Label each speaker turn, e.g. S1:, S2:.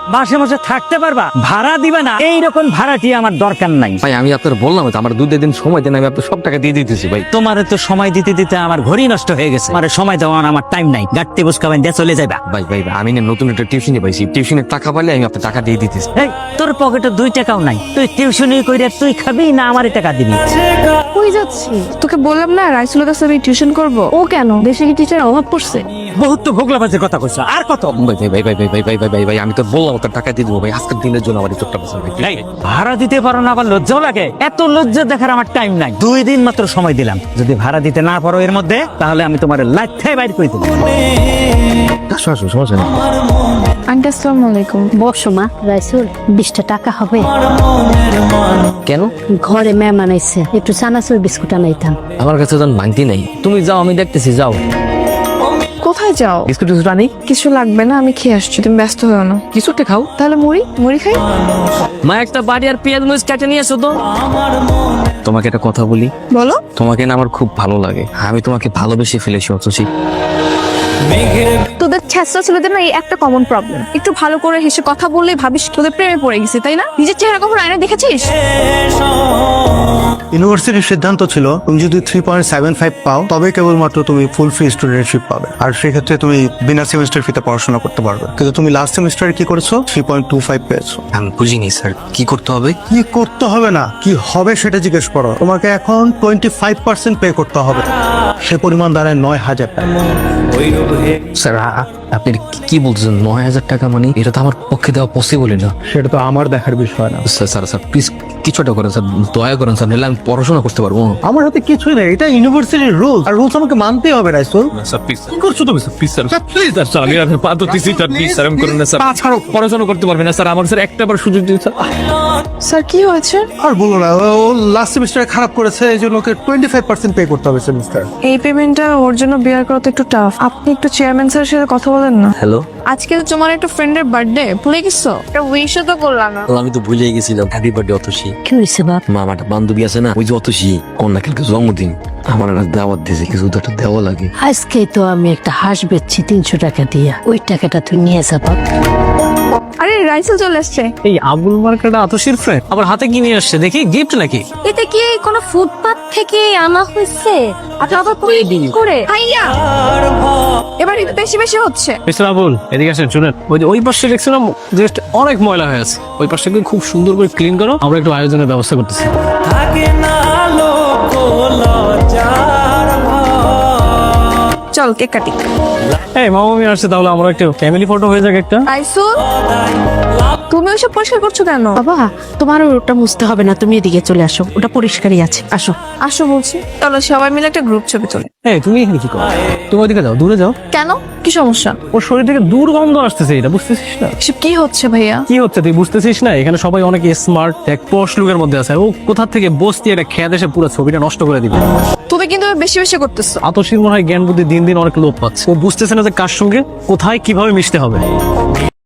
S1: মাসে মাসে থাকতে পারবা, ভাড়া দিবা না, এইরকম ভাড়াটি আমার দরকার নাই।
S2: ভাই আমি আপনার বললাম তো আমার 2 দিন সময় দেন, আমি আপনার সব টাকা দিয়ে দিতেছি ভাই।
S1: তোমারে তো সময় দিতে দিতে আমার ঘড়ি নষ্ট হয়ে গেছে, আমার সময় দেওয়ার আমার টাইম নাই। গাড়তে বুঝকাবেন দিয়ে চলে যাবা।
S2: ভাই ভাই ভাই, আমি না নতুন একটা টিউশনি পাইছি, টিউশনের টাকা পাইলে আমি আপনার টাকা দিয়ে দিতেছি।
S1: এই তোর পকেটে 2 টাকাও নাই, তুই টিউশনি কইরা তুই খাবি না আমারে টাকা দিবি?
S3: কই যাচ্ছি? তোকে বললাম না রাইসুলের কাছে আমি টিউশন করব। ও কেন, দেশে কি টিচার অভাব পড়ছে?
S1: বহুত তো ভোগলাবাজের কথা কইছো, আর কত?
S2: ভাই ভাই ভাই ভাই ভাই ভাই ভাই ভাই ভাই ভাই, আমি তো বললাম আপনার টাকা দিয়ে দেবো ভাই, আজকের দিনের জন্য আমার এই চোখটা বসে ভাই।
S1: এই, ভাড়া দিতে পারো না আবার লজ্জাও লাগে? এত লজ্জা দেখার আমার টাইম নাই। 2 দিন মাত্র সময় দিলাম, যদি ভাড়া দিতে না পারো এর মধ্যে, তাহলে আমি তোমার লাইফে বাইর করে দেবো।
S2: আসো আসো, সমস্যা নেই।
S3: আন্টি আসসালামু আলাইকুম।
S4: বসো মা। রাইসুল 20টা টাকা হবে?
S2: কেন?
S4: ঘরে মেহমান আইছে, একটু চানাচুর বিস্কুট আনাইতাম।
S2: আমার কাছে তো ভাঙতি নাই, তুমি যাও আমি দেখতেছি, যাও।
S3: কোথায় যাও?
S2: বিস্কুট টিস্কুট আনি।
S3: কিছু লাগবে না, আমি খেয়ে আসছি, তুমি ব্যস্ত হও না।
S2: কিছুটা খাও।
S3: তাহলে মুড়ি মুড়ি খাই।
S2: মা একটা বাড়ি আর পেঁয়াজ মরিচ কেটে নিয়ে এসো তো। তোমাকে একটা কথা বলি,
S3: বলো।
S2: তোমাকে না আমার খুব ভালো লাগে, আমি তোমাকে ভালোবেসে ফেলেছি অথচি।
S3: তোদের ছেঁচড়া ছেলেদের না এই একটা কমন প্রবলেম, একটু ভালো করে হেসে কথা বললেই ভাবিস তোদের প্রেমে পড়ে গেছে, তাই না? নিজের চেহারা কখনো আয়না দেখেছিস?
S5: ইউনিভার্সিটির সিদ্ধান্ত ছিল তুমি যদি 3.75 পাও তবে কেবলমাত্র তুমি ফুল ফি স্টুডেন্টশিপ পাবে, আর সেক্ষেত্রে তুমি বিনা সেমিস্টার ফিতে পড়াশোনা করতে পারবে। কিন্তু তুমি লাস্ট সেমিস্টারে কি করেছো? 3.25 পেয়েছো।
S2: আমি বুঝিনি স্যার, কি করতে হবে?
S5: কি করতে হবে না, কি হবে সেটা জিজ্ঞেস করো। তোমাকে এখন 25% পে করতে হবে, সে পরিমাণ দাঁড়ায় 9,000 টাকা।
S2: স্যার আপনি কি বলছেন? 9,000 টাকা মানে এটা তো আমার পক্ষে দেওয়া পসিবলই না।
S5: সেটা তো আমার দেখার বিষয় না।
S2: স্যার স্যার স্যার প্লিজ কিছুটা করেন স্যার, দয়া করেন স্যার, নাহলে আমি পড়াশোনা করতে পারবো না।
S5: আমার হাতে কিছুই নেই, এটা ইউনিভার্সিটির রুলস, আর রুলস আমাকে মানতেই হবে। রাইসুল
S6: স্যার প্লিজ, কি করছো তুমি? Sir please, sir please, sir আমি আপনার পা ধরতেছি, স্যার প্লিজ, স্যার আমি করেন না স্যার, পড়াশোনা করতে পারবে না স্যার, আমার স্যার একটা বার সুযোগ দিন স্যার।
S3: স্যার কি হয়েছে?
S5: আর বলো না, ও লাস্ট সেমিস্টারে খারাপ করেছে, এই জন্য ওকে 25% পে করতে হবে সেমিস্টার।
S3: এই পেমেন্টটা ওর জন্য বিয়ার করা তো একটু টাফ। আপনি একটু চেয়ারম্যান স্যারের সাথে কথা বলেন না।
S2: হ্যালো,
S3: আজকে তো তোমার একটা ফ্রেন্ডের বার্থডে, ভুলে গেছো? একটা উইশও তো করলাম না।
S2: আমি তো ভুলে গেছিলাম। Happy birthday Atasi.
S4: কি হয়েছে বাপ?
S2: মা, আমার একটা বান্ধবী আছে না, ওই যে অতসী, কন্যা কালকে জন্মদিন, আমার একটা দাওয়াত দিয়েছে, কিছু তো একটা দেওয়া লাগে।
S4: আজকে তো আমি একটা হাঁস বেচছি 300 টাকা দিয়া, ওই টাকাটা তুই নিয়ে যা বাপ।
S3: আরে রাইসেল চলে আসছে।
S6: এই আবুল মার্কেট আতসীর ফ্রেন্ড আবার হাতে কি নিয়ে আসছে দেখি, গিফট নাকি?
S4: এটা কি কোনো ফুটপাত থেকে আনা হয়েছে? আচ্ছা আবার করে
S3: ভাইয়া এবার একটু বেশি বেশি হচ্ছে।
S6: মিস্টার আবুল এদিকে আসেন, শুনেন, ওই যে ওই পাশে দেখছিলাম জাস্ট অনেক ময়লা হয়ে আছে, ওই পাশটাকে খুব সুন্দর করে ক্লিন করো, আমরা একটু আয়োজনের ব্যবস্থা করতেছি।
S3: চল কেক কাটি।
S6: এই মামামি আসছে, তাহলে আমরা একটা ফ্যামিলি ফটো হয়ে যাক একটা।
S3: রাইসুল তুমি ওইসব পরিষ্কার করছো কেন?
S4: বাবা, তোমার ওটা মুছতে হবে না, তুমি এদিকে চলে আসো, ওটা পরিষ্কারই আছে, আসো।
S3: আসো বলছি। চলো সবাই মিলে একটা গ্রুপ ছবি তুলি।
S6: এই তুমি এখানে কি করো? তুমি ওইদিকে যাও, দূরে যাও।
S3: কেন, কি সমস্যা?
S6: ওর শরীর থেকে দুর্গন্ধ আসতেছে, এটা বুঝতেছিস না?
S3: এসব কি হচ্ছে ভাইয়া?
S6: কি হচ্ছে তুই বুঝতেছিস না? এখানে সবাই অনেক স্মার্ট, এক পশ লুকের মধ্যে আছে, ও কোথা থেকে বসতি এটা খেয়ে দেশে পুরো ছবিটা নষ্ট করে দিবে।
S3: তুমি কিন্তু বেশি বেশি করতেছো।
S6: আতসীর মনে হয় জ্ঞান বুদ্ধি দিন দিন অনেক লোপ পাচ্ছে, ও বুঝতেছে না যে কার সঙ্গে কোথায় কিভাবে মিশতে হবে।